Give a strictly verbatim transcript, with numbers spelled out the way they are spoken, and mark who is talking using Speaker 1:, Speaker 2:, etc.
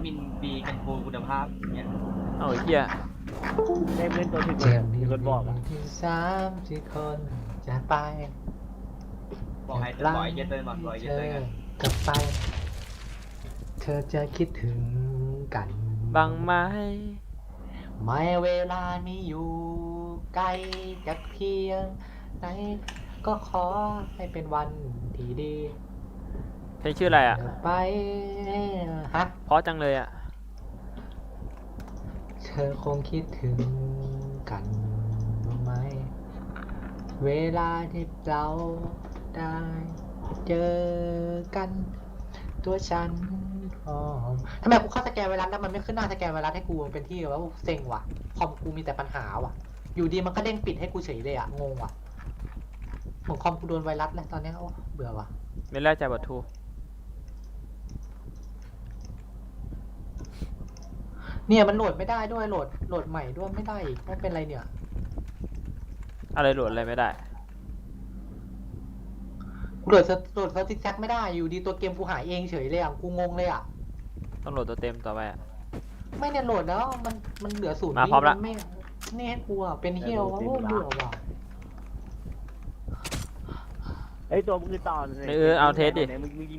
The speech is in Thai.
Speaker 1: มินบีกันโกคุณภาพเนี่ย
Speaker 2: เอาไอ้เหี้ย
Speaker 3: ได้เพื่อนตัวถึง
Speaker 4: เจ็บ
Speaker 3: มีคนบอกอ่ะ
Speaker 4: ที่สามที่คนจะไป
Speaker 1: บอกให้บอกไอ้เจเตอร์บอกบอกไอ้เจ
Speaker 4: เธ
Speaker 1: เตอ
Speaker 4: อ
Speaker 1: ร์กัน
Speaker 4: กลับไป เธอจะคิดถึงกัน
Speaker 2: บังไม้
Speaker 4: ไม่เวลามีอยู่ไกลจากเพียงไหนก็ขอให้เป็นวันที่ดี
Speaker 2: เพลงชื่ออะไรอ่ะ
Speaker 4: เธอไปฮะ
Speaker 2: เพราะจังเลยอ่ะ
Speaker 4: เธอคงคิดถึงกันบ้างไหม เวลาที่เราได้เจอกัน ตัวฉันพร้อมทำไมกูเข้าสแกนไวรัสแล้วมันไม่ขึ้นหน้าสแกนไวรัสให้กูมันเป็นที่วะกูเซ็งว่ะคอมกูมีแต่ปัญหาว่ะ อยู่ดีมันก็เด้งปิดให้กูเฉยเลยอะงงว่ะเหมือนคอมกูโดนไวรัสแล้วตอนเนี้ยโอ้เบื่อว่ะ
Speaker 2: ไม่แล่ใจบัตทู
Speaker 4: เนี่ยมันโหลดไม่ได้ด้วยโหลดโหลดใหม่ด้วยไม่ได้อีกไม่เป็นไรเนี่ย
Speaker 2: อะไรโหลดอะไรไม่ได้
Speaker 4: กูโหลดเซิร์ฟโหลดเซิร์ฟซิกแซกไม่ได้อยู่ดีตัวเกมกูหายเองเฉยเลยอ่ะกูงงเลยอ่ะ
Speaker 2: ต้องโหลดตัวเต็มต่อไปอะ
Speaker 4: ไม่เนี่ยโหลดแล้วมันมันเหลือศูนย์
Speaker 2: มาพร้อมละ
Speaker 4: นไม่นี่ให้กูอ่ะเป็นเฮียวะโอ้เบื่อว่ะ
Speaker 3: ไอ้ตัวมึงคือต่อ
Speaker 2: เออเอาเทสดิ
Speaker 3: ไหนมึงมึงยิง